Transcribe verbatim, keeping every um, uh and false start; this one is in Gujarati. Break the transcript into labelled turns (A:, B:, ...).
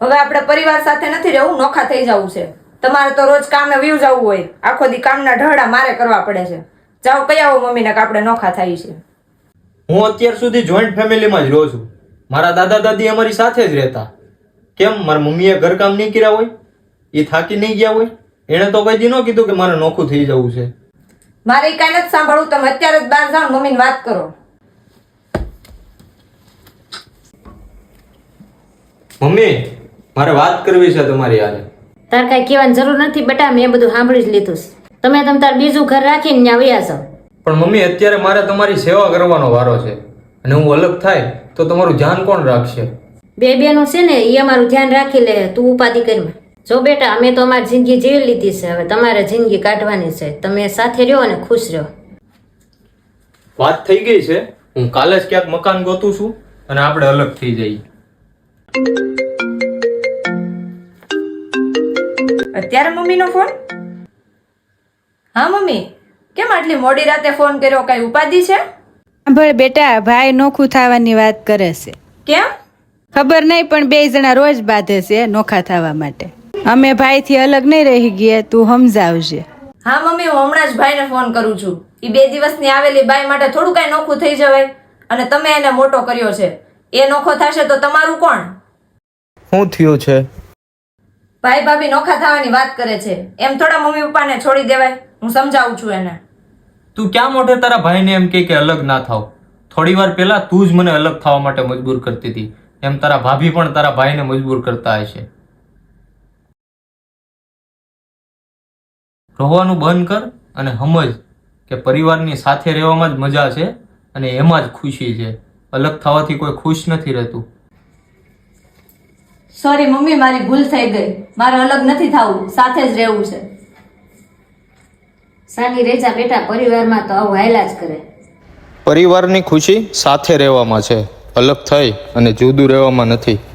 A: હવે આપણે પરિવાર સાથે નથી રહેવું, નોખા થઈ જવું છે. તમારે તો રોજ કામે વ્યુ જવું હોય, આખો દી કામના ઢહડા મારે કરવા પડે છે. જાઓ કહી આવો મમ્મીને કે આપણે નોખા થાય છે.
B: હું અત્યાર સુધી જોઈન્ટ ફેમિલીમાં જ રહું છું. મારા દાદા દાદી અમારી સાથે જ રહેતા. કેમ મારા મમ્મીએ ઘરકામ નહીં કર્યા હોય? એ થાકી નહીં ગયા હોય? એણે તો કઈ દી ન કીધું કે મારે નોખું થઈ જવું છે.
A: મારે કઈ નથી સાંભળવું. તમે અત્યારે જ બહાર જાઓ, મમ્મીને વાત કરો.
B: મમ્મી, મારે વાત કરવી છે તમારી હારે.
C: તાર કઈ કહેવાની જરૂર નથી બેટા, મેં બધું સાંભળી જ લીધું છે. તમે તમ તાર બીજું ઘર રાખીને ત્યાં વયા જાઓ.
B: પણ મમ્મી, અત્યારે મારે તમારી સેવા કરવાનો વારો છે અને હું અલગ થાય તો તમારું ધ્યાન કોણ રાખશે?
C: બે બેનું છે ને એ અમારું ધ્યાન રાખી લે, તું ઉપાધિ કરીમાં. જો બેટા, અમે તો અમારી જિંદગી જીવી લીધી છે, હવે તમારે જિંદગી કાઢવાની છે. તમે સાથે રહ્યો અને ખુશ રહ્યો.
B: વાત થઈ ગઈ છે. હું કાલે જ ક્યાંક મકાન ગોતું છું અને આપણે અલગ થઈ જઈએ.
A: અત્યારે મમ્મીનો ફોન? હા મમ્મી, કેમ આટલી મોડી રાતે ફોન કર્યો? કઈ ઉપાધિ છે?
D: સાંભળ બેટા, ભાઈ નોખું થવાની વાત કરે છે.
A: કેમ?
D: ખબર નહીં, પણ બે જણા રોજ બાંધે છે નોખા થવા માટે. અમે ભાઈથી અલગ નહીં રહી ગયા, તું સમજાવજે.
A: હા મમ્મી, હું હમણાં જ ભાઈને ફોન કરું છું. એ બે દિવસની આવેલી બાઈ માટે થોડું કઈ નોખું થઈ જવાય? અને તમે એને મોટો કર્યો છે, એ નોખો થશે તો તમારું કોણ?
B: શું થયું છે?
A: ભાઈ ભાભી નોખા થવાની વાત કરે છે, એમ થોડા મમ્મી પપ્પાને છોડી દેવાય? હું સમજાવું છું એને.
B: તું ક્યાં મોઢે તારા ભાઈને એમ કે કે અલગ ના થાવ? થોડી વાર પહેલા તું જ મને અલગ થવા માટે મજબૂર કરતી હતી, એમ તારા ભાભી પણ તારા ભાઈને મજબૂર કરતા હશે. રોવાનું બંધ કર અને સમજ કે પરિવારની સાથે રહેવામાં જ મજા છે અને એમાં જ ખુશી છે. અલગ થવાથી કોઈ ખુશ નથી રહેતું.
A: સોરી મમ્મી, મારી ભૂલ થઈ ગઈ. મારે અલગ નથી થવું, સાથે જ રહેવું છે.
C: સાની રેજા બેટા, પરિવારમાં તો આવું હાયલા જ કરે.
B: પરિવારની ખુશી સાથે રહેવામાં છે, અલગ થઈ અને જુદું રહેવામાં નથી.